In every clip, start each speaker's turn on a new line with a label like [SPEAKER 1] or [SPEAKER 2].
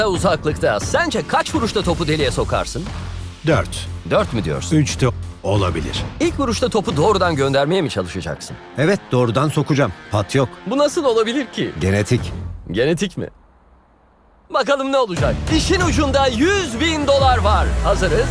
[SPEAKER 1] uzaklıkta. Sence kaç vuruşta topu deliğe sokarsın?
[SPEAKER 2] 4.
[SPEAKER 1] 4 mü diyorsun?
[SPEAKER 2] 3 de olabilir.
[SPEAKER 1] İlk vuruşta topu doğrudan göndermeye mi çalışacaksın?
[SPEAKER 3] Evet, doğrudan sokacağım. Pat yok.
[SPEAKER 1] Bu nasıl olabilir ki?
[SPEAKER 3] Genetik.
[SPEAKER 1] Genetik mi? Bakalım ne olacak? İşin ucunda $100.000 var. Hazırız.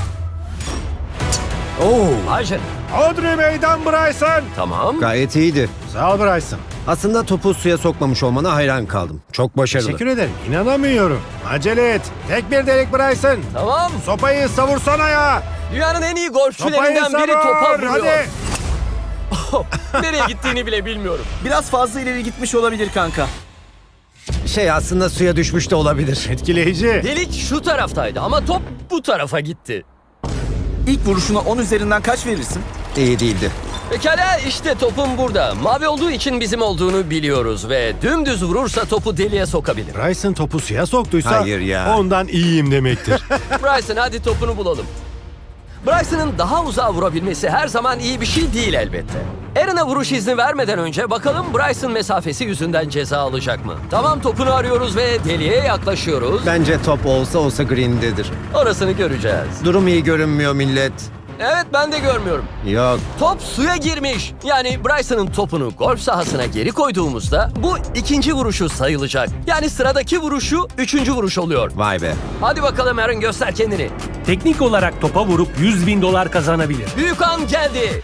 [SPEAKER 3] Oo,
[SPEAKER 1] Hayır.
[SPEAKER 2] Audrey meydan Bryson.
[SPEAKER 1] Tamam.
[SPEAKER 3] gayet iyiydi.
[SPEAKER 2] Sağ ol Bryson.
[SPEAKER 3] Aslında topu suya sokmamış olmana hayran kaldım. Çok başarılı.
[SPEAKER 2] Teşekkür ederim. İnanamıyorum. Acele et. Tek bir delik Bryson.
[SPEAKER 1] Tamam.
[SPEAKER 2] Sopayı savursana ya.
[SPEAKER 1] Dünyanın en iyi
[SPEAKER 2] Sopayı
[SPEAKER 1] golfçülerinden biri
[SPEAKER 2] savur.
[SPEAKER 1] topa vuruyor.
[SPEAKER 2] Hadi.
[SPEAKER 1] Nereye gittiğini bile bilmiyorum.
[SPEAKER 4] Biraz fazla ileri gitmiş olabilir kanka.
[SPEAKER 3] Aslında suya düşmüş de olabilir.
[SPEAKER 2] Etkileyici.
[SPEAKER 1] Delik şu taraftaydı ama top bu tarafa gitti.
[SPEAKER 4] İlk vuruşuna 10 üzerinden kaç verirsin?
[SPEAKER 3] İyi değildi.
[SPEAKER 1] Pekala işte topum burada. Mavi olduğu için bizim olduğunu biliyoruz ve dümdüz vurursa topu deliğe sokabilir.
[SPEAKER 2] Bryson topu suya soktuysa
[SPEAKER 3] Hayır ya.
[SPEAKER 2] ondan iyiyim demektir.
[SPEAKER 1] Bryson hadi topunu bulalım. Bryson'ın daha uzağa vurabilmesi her zaman iyi bir şey değil elbette. Aaron'a vuruş izni vermeden önce bakalım Bryson mesafesi yüzünden ceza alacak mı? Tamam topunu arıyoruz ve deliğe yaklaşıyoruz.
[SPEAKER 3] Bence top olsa green'dedir.
[SPEAKER 1] Orasını göreceğiz.
[SPEAKER 3] Durum iyi görünmüyor millet.
[SPEAKER 1] Evet ben de görmüyorum.
[SPEAKER 3] Yok.
[SPEAKER 1] Top suya girmiş. Yani Bryson'ın topunu golf sahasına geri koyduğumuzda bu ikinci vuruşu sayılacak. Yani sıradaki vuruşu üçüncü vuruş oluyor.
[SPEAKER 3] Vay be.
[SPEAKER 1] Hadi bakalım Aaron göster kendini.
[SPEAKER 5] Teknik olarak topa vurup $100.000 kazanabilir.
[SPEAKER 1] Büyük an geldi.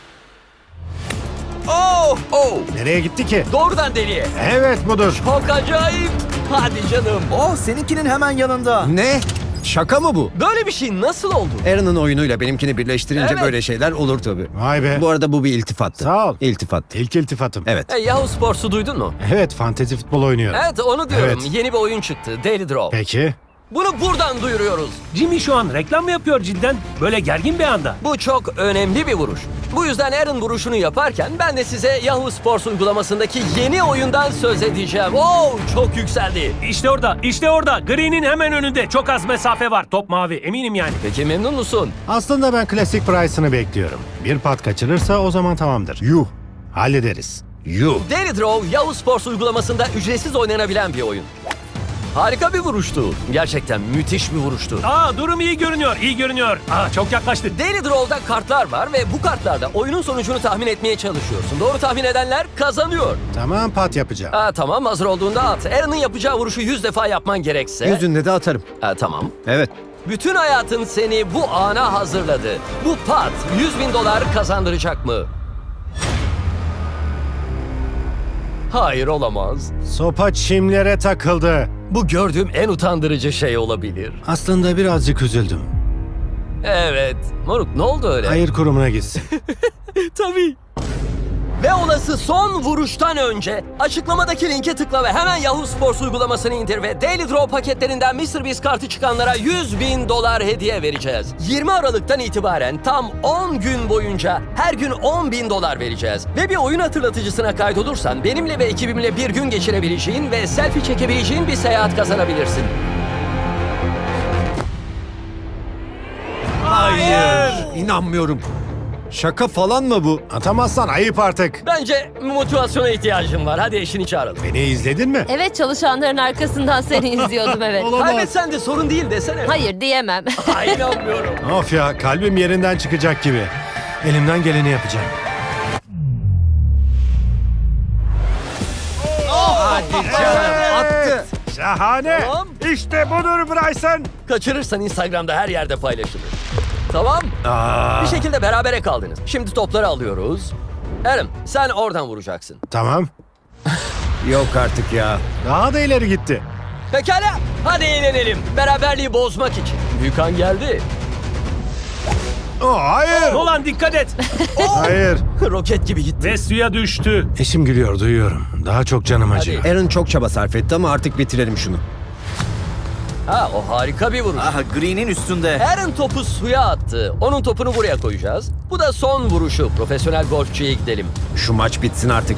[SPEAKER 1] Oh oh.
[SPEAKER 2] Nereye gitti ki?
[SPEAKER 1] Doğrudan deliğe.
[SPEAKER 2] Evet budur.
[SPEAKER 1] Çok acayip. Hadi canım.
[SPEAKER 4] Oh, seninkinin hemen yanında.
[SPEAKER 3] Ne? Şaka mı bu?
[SPEAKER 1] Böyle bir şey nasıl oldu?
[SPEAKER 3] Aaron'ın oyunuyla benimkini birleştirince
[SPEAKER 1] Evet.
[SPEAKER 3] böyle şeyler olur tabii.
[SPEAKER 2] Vay be.
[SPEAKER 3] Bu arada bu bir iltifattı.
[SPEAKER 2] Sağ ol.
[SPEAKER 3] İltifat.
[SPEAKER 2] İlk iltifatım.
[SPEAKER 3] Evet.
[SPEAKER 1] Yahoo Sports'u duydun mu?
[SPEAKER 2] Evet, fantezi futbol oynuyorum.
[SPEAKER 1] Evet onu diyorum.
[SPEAKER 2] Evet.
[SPEAKER 1] Yeni bir oyun çıktı. Daily Draw.
[SPEAKER 2] Peki.
[SPEAKER 1] Bunu buradan duyuruyoruz.
[SPEAKER 5] Jimmy şu an reklam mı yapıyor cidden? Böyle gergin bir anda.
[SPEAKER 1] Bu çok önemli bir vuruş. Bu yüzden Aaron vuruşunu yaparken ben de size Yahoo Sports uygulamasındaki yeni oyundan söz edeceğim. Oo, çok yükseldi.
[SPEAKER 5] İşte orada, işte orada. Green'in hemen önünde. Çok az mesafe var. Top mavi, eminim yani.
[SPEAKER 1] Peki memnun musun?
[SPEAKER 2] Aslında ben klasik Bryson'ı bekliyorum. Bir pat kaçırırsa o zaman tamamdır.
[SPEAKER 3] Yuh.
[SPEAKER 2] Hallederiz.
[SPEAKER 3] Yuh.
[SPEAKER 1] Daily Draw Yahoo Sports uygulamasında ücretsiz oynanabilen bir oyun. Harika bir vuruştu. Gerçekten müthiş bir vuruştu.
[SPEAKER 5] Durum iyi görünüyor, iyi görünüyor. Çok yaklaştık.
[SPEAKER 1] Daily Draw'da kartlar var ve bu kartlarda oyunun sonucunu tahmin etmeye çalışıyorsun. Doğru tahmin edenler kazanıyor.
[SPEAKER 2] Tamam, pat yapacağım.
[SPEAKER 1] Tamam hazır olduğunda at. Aaron'ın yapacağı vuruşu 100 defa yapman gerekse.
[SPEAKER 3] Yüzünde de atarım.
[SPEAKER 1] Tamam.
[SPEAKER 3] Evet.
[SPEAKER 1] Bütün hayatın seni bu ana hazırladı. Bu pat $100.000 kazandıracak mı? Hayır olamaz.
[SPEAKER 2] Sopa çimlere takıldı.
[SPEAKER 1] Bu gördüğüm en utandırıcı şey olabilir.
[SPEAKER 2] Aslında birazcık üzüldüm.
[SPEAKER 1] Evet. Moruk ne oldu öyle?
[SPEAKER 2] Hayır kurumuna gitsin.
[SPEAKER 1] Tabii. Ve olası son vuruştan önce açıklamadaki linke tıkla ve hemen Yahoo Sports uygulamasını indir ve Daily Draw paketlerinden MrBeast kartı çıkanlara $100.000 hediye vereceğiz. 20 Aralık'tan itibaren tam 10 gün boyunca her gün $10.000 vereceğiz. Ve bir oyun hatırlatıcısına kaydolursan benimle ve ekibimle bir gün geçirebileceğin ve selfie çekebileceğin bir seyahat kazanabilirsin.
[SPEAKER 3] Hayır. İnanmıyorum. Şaka falan mı bu?
[SPEAKER 2] Atamazsan ayıp artık.
[SPEAKER 1] Bence motivasyona ihtiyacım var. Hadi eşini çağıralım.
[SPEAKER 2] Beni izledin mi?
[SPEAKER 6] Evet, çalışanların arkasından seni izliyordum evet.
[SPEAKER 2] Olamaz.
[SPEAKER 1] Kaybetsen de sorun değil desene.
[SPEAKER 6] Hayır diyemem.
[SPEAKER 1] Ay, inanmıyorum.
[SPEAKER 2] Of ya, kalbim yerinden çıkacak gibi. Elimden geleni yapacağım.
[SPEAKER 3] Attı.
[SPEAKER 2] Şahane.
[SPEAKER 1] Tamam.
[SPEAKER 2] İşte budur Bryson.
[SPEAKER 1] Kaçırırsan Instagram'da her yerde paylaşılır. Tamam. Bir şekilde berabere kaldınız. Şimdi topları alıyoruz. Aaron sen oradan vuracaksın.
[SPEAKER 2] Tamam.
[SPEAKER 3] Yok artık ya.
[SPEAKER 2] Daha da ileri gitti.
[SPEAKER 1] Pekala. Hadi eğlenelim. Beraberliği bozmak için. Büyükan geldi.
[SPEAKER 2] Hayır.
[SPEAKER 5] Nolan dikkat et.
[SPEAKER 2] Hayır.
[SPEAKER 1] Roket gibi gitti.
[SPEAKER 5] Ve suya düştü.
[SPEAKER 2] Eşim gülüyor, duyuyorum. Daha çok canım acıyor.
[SPEAKER 3] Aaron çok çaba sarf etti ama artık bitirelim şunu.
[SPEAKER 1] O harika bir vuruş.
[SPEAKER 4] Aha, Green'in üstünde.
[SPEAKER 1] Aaron topu suya attı. Onun topunu buraya koyacağız. Bu da son vuruşu. Profesyonel golfçüye gidelim.
[SPEAKER 3] Şu maç bitsin artık.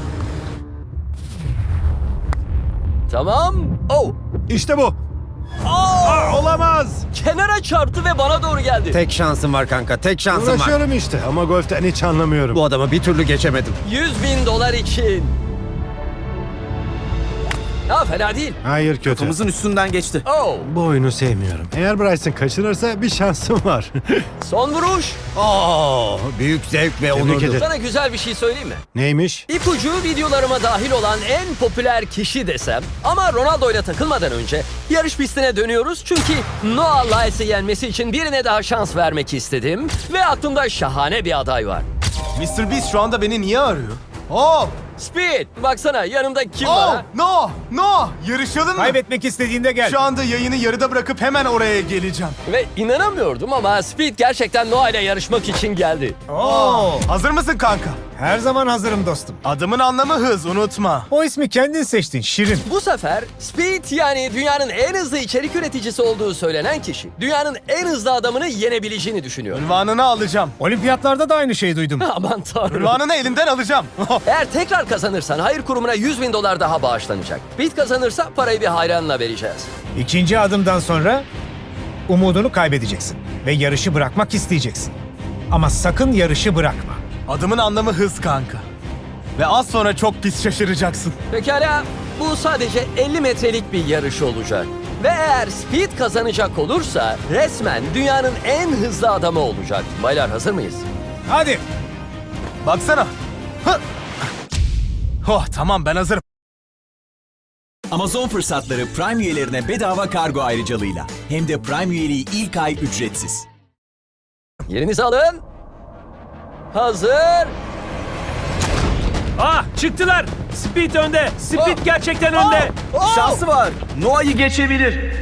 [SPEAKER 1] Tamam.
[SPEAKER 2] İşte bu. Olamaz.
[SPEAKER 1] Kenara çarptı ve bana doğru geldi.
[SPEAKER 3] Tek şansım var kanka. Tek şansım var.
[SPEAKER 2] Uğraşıyorum işte ama golften hiç anlamıyorum.
[SPEAKER 3] Bu adamı bir türlü geçemedim.
[SPEAKER 1] $100.000 için. Ha, fena değil.
[SPEAKER 2] Hayır, kötü.
[SPEAKER 4] Kafamızın üstünden geçti.
[SPEAKER 1] Oh,
[SPEAKER 2] Bu oyunu sevmiyorum. Eğer Bryson kaçırırsa bir şansım var.
[SPEAKER 1] son vuruş.
[SPEAKER 3] Büyük zevk ve
[SPEAKER 2] Tebrik
[SPEAKER 3] onurdur.
[SPEAKER 2] ederim.
[SPEAKER 1] Sana güzel bir şey söyleyeyim mi?
[SPEAKER 2] Neymiş?
[SPEAKER 1] İpucu videolarıma dahil olan en popüler kişi desem. Ama Ronaldo ile takılmadan önce yarış pistine dönüyoruz. Çünkü Noah Lyles'ı yenmesi için birine daha şans vermek istedim. Ve aklımda şahane bir aday var.
[SPEAKER 7] Mr. Beast şu anda beni niye arıyor? Oh!
[SPEAKER 1] Speed, baksana yanımda kim var? ha?
[SPEAKER 7] No! Yarışalım mı?
[SPEAKER 3] Kaybetmek istediğinde gel.
[SPEAKER 7] Şu anda yayını yarıda bırakıp hemen oraya geleceğim.
[SPEAKER 1] Ve inanamıyordum ama Speed gerçekten Noah ile yarışmak için geldi.
[SPEAKER 7] Hazır mısın kanka?
[SPEAKER 8] Her zaman hazırım dostum.
[SPEAKER 7] Adımın anlamı hız, unutma.
[SPEAKER 8] O ismi kendin seçtin, Şirin.
[SPEAKER 1] Bu sefer Speed, yani dünyanın en hızlı içerik üreticisi olduğu söylenen kişi, dünyanın en hızlı adamını yenebileceğini düşünüyor.
[SPEAKER 7] Ünvanını alacağım.
[SPEAKER 8] Olimpiyatlarda da aynı şeyi duydum.
[SPEAKER 1] Aman tanrım.
[SPEAKER 7] Ünvanını elinden alacağım.
[SPEAKER 1] Eğer tekrar kazanırsan hayır kurumuna $100.000 daha bağışlanacak. Speed kazanırsa parayı bir hayranla vereceğiz.
[SPEAKER 8] İkinci adımdan sonra umudunu kaybedeceksin ve yarışı bırakmak isteyeceksin. Ama sakın yarışı bırakma.
[SPEAKER 7] Adımın anlamı hız kanka. Ve az sonra çok pis şaşıracaksın.
[SPEAKER 1] Pekala, bu sadece 50 metrelik bir yarış olacak. Ve eğer Speed kazanacak olursa resmen dünyanın en hızlı adamı olacak. Baylar, hazır mıyız?
[SPEAKER 8] Hadi.
[SPEAKER 7] Baksana. Hı. Oh, tamam, ben hazırım.
[SPEAKER 9] Amazon fırsatları Prime üyelerine bedava kargo ayrıcalığıyla. Hem de Prime üyeliği ilk ay ücretsiz.
[SPEAKER 1] Yerinizi alın. Hazır.
[SPEAKER 5] Ah, çıktılar. Speed önde. Speed
[SPEAKER 1] Oh.
[SPEAKER 5] gerçekten önde.
[SPEAKER 4] Şansı var. Noah'yı geçebilir.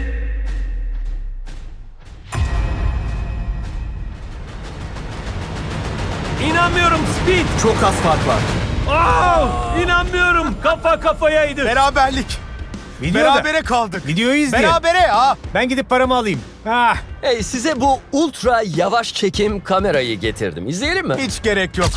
[SPEAKER 5] İnanmıyorum Speed.
[SPEAKER 4] Çok az fark var.
[SPEAKER 5] İnanmıyorum. Kafa kafayaydı.
[SPEAKER 7] Beraberlik.
[SPEAKER 8] Videoda.
[SPEAKER 7] Berabere kaldık.
[SPEAKER 8] Videoyu izleyin.
[SPEAKER 7] Berabere ha.
[SPEAKER 8] Ben gidip paramı alayım. Ah,
[SPEAKER 1] Hey, size bu ultra yavaş çekim kamerayı getirdim. İzleyelim mi?
[SPEAKER 7] Hiç gerek yok.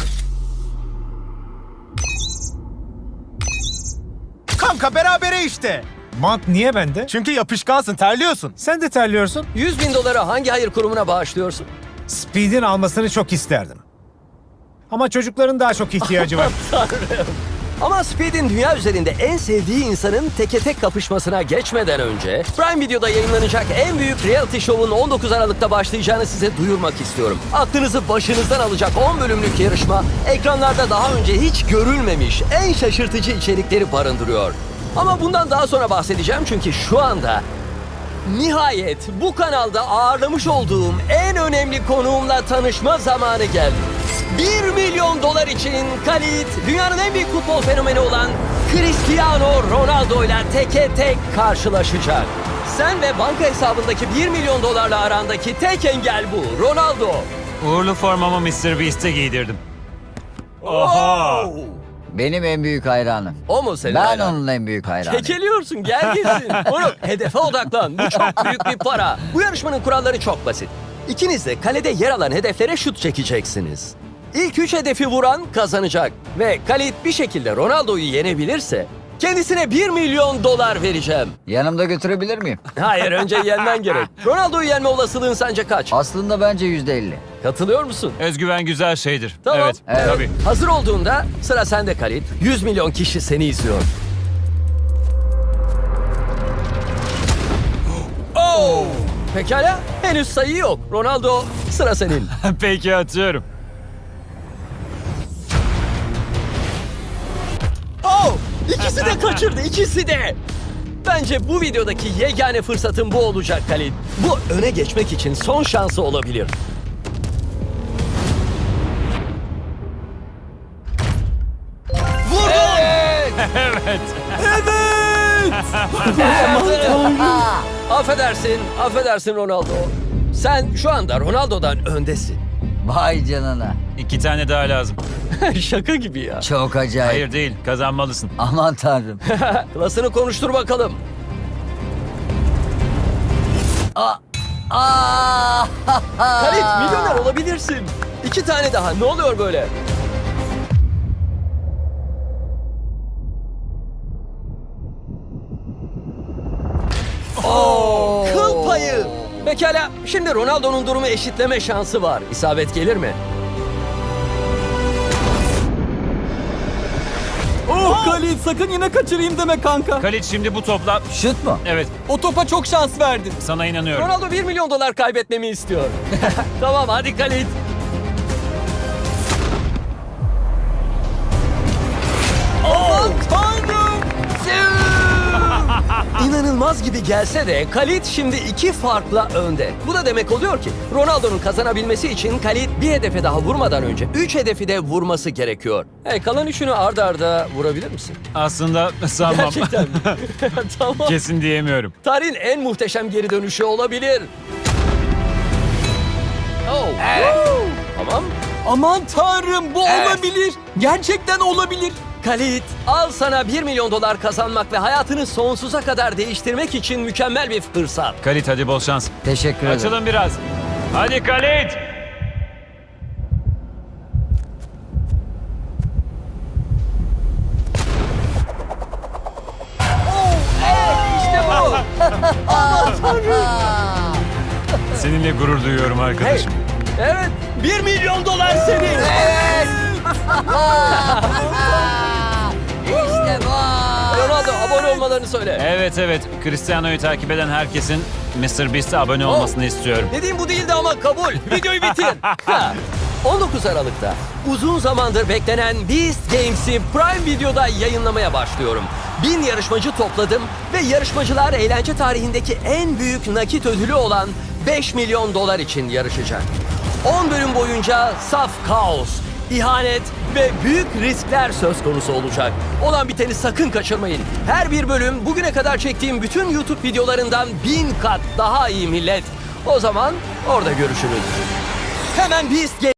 [SPEAKER 7] Kanka berabere işte.
[SPEAKER 8] mont niye bende?
[SPEAKER 7] Çünkü yapışkansın, terliyorsun.
[SPEAKER 8] Sen de terliyorsun.
[SPEAKER 1] $100.000 hangi hayır kurumuna bağışlıyorsun?
[SPEAKER 8] Speed'in almasını çok isterdim. Ama çocukların daha çok ihtiyacı var.
[SPEAKER 1] Ama Speed'in dünya üzerinde en sevdiği insanın teke tek kapışmasına geçmeden önce Prime Video'da yayınlanacak en büyük reality show'un 19 Aralık'ta başlayacağını size duyurmak istiyorum. Aklınızı başınızdan alacak 10 bölümlük yarışma ekranlarda daha önce hiç görülmemiş en şaşırtıcı içerikleri barındırıyor. Ama bundan daha sonra bahsedeceğim çünkü şu anda nihayet bu kanalda ağırlamış olduğum en önemli konuğumla tanışma zamanı geldi. $1 milyon için Khalid, dünyanın en büyük futbol fenomeni olan Cristiano Ronaldo ile teke tek karşılaşacak. Sen ve banka hesabındaki $1 milyon arandaki tek engel bu, Ronaldo.
[SPEAKER 10] Uğurlu formamı Mr. Beast'e giydirdim.
[SPEAKER 1] Oha!
[SPEAKER 11] Benim en büyük hayranım.
[SPEAKER 1] O mu senin
[SPEAKER 11] Ben
[SPEAKER 1] hayran?
[SPEAKER 11] onun en büyük hayranıyım.
[SPEAKER 1] Kekeliyorsun, gel gitsin. Oğlum, hedefe odaklan. Bu çok büyük bir para. Bu yarışmanın kuralları çok basit. İkiniz de kalede yer alan hedeflere şut çekeceksiniz. İlk 3 hedefi vuran kazanacak. Ve Khalid bir şekilde Ronaldo'yu yenebilirse kendisine $1 milyon vereceğim.
[SPEAKER 11] Yanımda götürebilir miyim?
[SPEAKER 1] Hayır, önce yenmen gerek. Ronaldo'yu yenme olasılığın sence kaç?
[SPEAKER 11] Aslında bence %50.
[SPEAKER 1] Katılıyor musun?
[SPEAKER 10] Özgüven güzel şeydir.
[SPEAKER 1] Tamam.
[SPEAKER 10] Evet,
[SPEAKER 11] Evet.
[SPEAKER 10] tabii.
[SPEAKER 1] Hazır olduğunda sıra sende Khalid. 100 milyon kişi seni izliyor. Oh! Pekala, henüz sayı yok. Ronaldo, sıra senin.
[SPEAKER 10] Peki, atıyorum.
[SPEAKER 1] Oh! İkisi de kaçırdı, ikisi de. Bence bu videodaki yegane fırsatın bu olacak Khalid. Bu öne geçmek için son şansı olabilir. Vurdun! Affedersin Ronaldo. Sen şu anda Ronaldo'dan öndesin.
[SPEAKER 11] Vay canına.
[SPEAKER 10] 2 tane daha lazım.
[SPEAKER 1] Şaka gibi ya.
[SPEAKER 11] Çok acayip.
[SPEAKER 10] Hayır değil, kazanmalısın.
[SPEAKER 11] Aman tanrım.
[SPEAKER 1] Klasını konuştur bakalım. Halit, milyoner olabilirsin. 2 tane daha. Ne oluyor böyle? Kıl payı. Pekala, şimdi Ronaldo'nun durumu eşitleme şansı var. İsabet gelir mi?
[SPEAKER 4] Khalid sakın yine kaçırayım deme kanka.
[SPEAKER 10] Khalid şimdi bu topla...
[SPEAKER 11] Şut mu?
[SPEAKER 10] Evet,
[SPEAKER 4] O topa çok şans verdin.
[SPEAKER 10] sana inanıyorum.
[SPEAKER 1] Ronaldo 1 milyon dolar kaybetmemi istiyor. Tamam hadi Khalid. Aman tanrım! İnanılmaz gibi gelse de Khalid şimdi 2 farkla önde. Bu da demek oluyor ki Ronaldo'nun kazanabilmesi için Khalid bir hedefe daha vurmadan önce 3 hedefi de vurması gerekiyor. Kalan 3'ünü arda arda vurabilir misin?
[SPEAKER 10] Aslında sanmam.
[SPEAKER 1] Gerçekten mi? Tamam.
[SPEAKER 10] Kesin diyemiyorum.
[SPEAKER 1] Tarihin en muhteşem geri dönüşü olabilir. Oh. Woo! Tamam.
[SPEAKER 4] Aman tanrım bu
[SPEAKER 1] Evet.
[SPEAKER 4] olabilir. Gerçekten olabilir.
[SPEAKER 1] Khalid, al sana 1 milyon dolar kazanmak ve hayatını sonsuza kadar değiştirmek için mükemmel bir fırsat.
[SPEAKER 10] Khalid hadi bol şans.
[SPEAKER 11] Teşekkür ederim.
[SPEAKER 10] Açılın biraz. Hadi Khalid.
[SPEAKER 1] İşte bu.
[SPEAKER 10] Seninle gurur duyuyorum
[SPEAKER 1] Hey,
[SPEAKER 10] arkadaşım.
[SPEAKER 1] evet, 1 milyon dolar senin.
[SPEAKER 11] İşte bu.
[SPEAKER 1] Ronaldo abone olmalarını söyle.
[SPEAKER 10] Evet, Cristiano'yu takip eden herkesin MrBeast'e abone olmasını istiyorum.
[SPEAKER 1] Dediğim bu değildi ama kabul. Videoyu bitir. Ha. 19 Aralık'ta uzun zamandır beklenen Beast Games'i Prime Video'da yayınlamaya başlıyorum. 1000 yarışmacı topladım ve yarışmacılar eğlence tarihindeki en büyük nakit ödülü olan 5 milyon dolar için yarışacak. 10 bölüm boyunca saf kaos, ihanet ve büyük riskler söz konusu olacak. Olan biteni sakın kaçırmayın. Her bir bölüm bugüne kadar çektiğim bütün YouTube videolarından 1000 kat daha iyi millet. O zaman orada görüşürüz. Hemen Beast Games